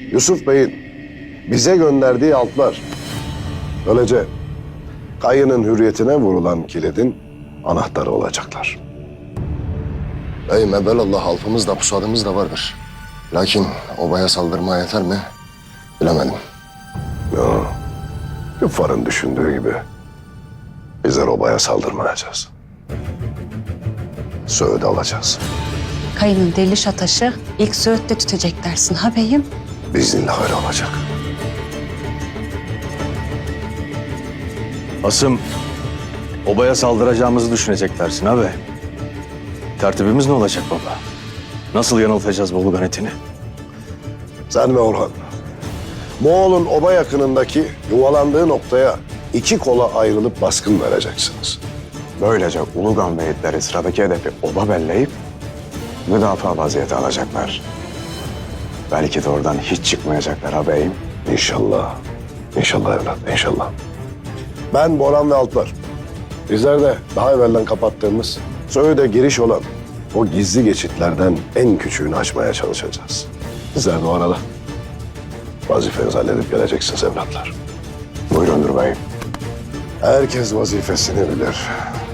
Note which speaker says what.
Speaker 1: Yusuf Bey'in bize gönderdiği altlar. Böylece Kayı'nın hürriyetine vurulan kilidin anahtarı olacaklar.
Speaker 2: Beyim evvelallah alfımız da pusadımız da vardır. Lakin obaya saldırmaya yeter mi? Bilemedim.
Speaker 1: Ya, küffarın düşündüğü gibi bizler obaya saldırmayacağız. Söğüt'ü alacağız.
Speaker 3: Kayının diriliş ataşı ilk Söğüt'te tütecek dersin ha beyim?
Speaker 1: Biiznillah öyle olacak.
Speaker 4: Asım, obaya saldıracağımızı düşünecek dersin abi. Tertibimiz ne olacak baba? Nasıl yanıltacağız Bolu Ganetini?
Speaker 1: Sen ve Orhan, Moğol'un oba yakınındaki yuvalandığı noktaya iki kola ayrılıp baskın vereceksiniz.
Speaker 5: Böylece Ulugan beyitleri sıradaki hedefi oba belleyip müdafaa vaziyeti alacaklar. Belki de oradan hiç çıkmayacaklar ağabeyim.
Speaker 1: İnşallah. İnşallah evlat, inşallah. Ben Boran ve Alplar. Bizler de daha evvelden kapattığımız Söğüt'e giriş olan o gizli geçitlerden en küçüğünü açmaya çalışacağız. Sizler de o arada vazifenizi halledip geleceksiniz evlatlar.
Speaker 5: Buyurundur beyim.
Speaker 1: Herkes vazifesini bilir.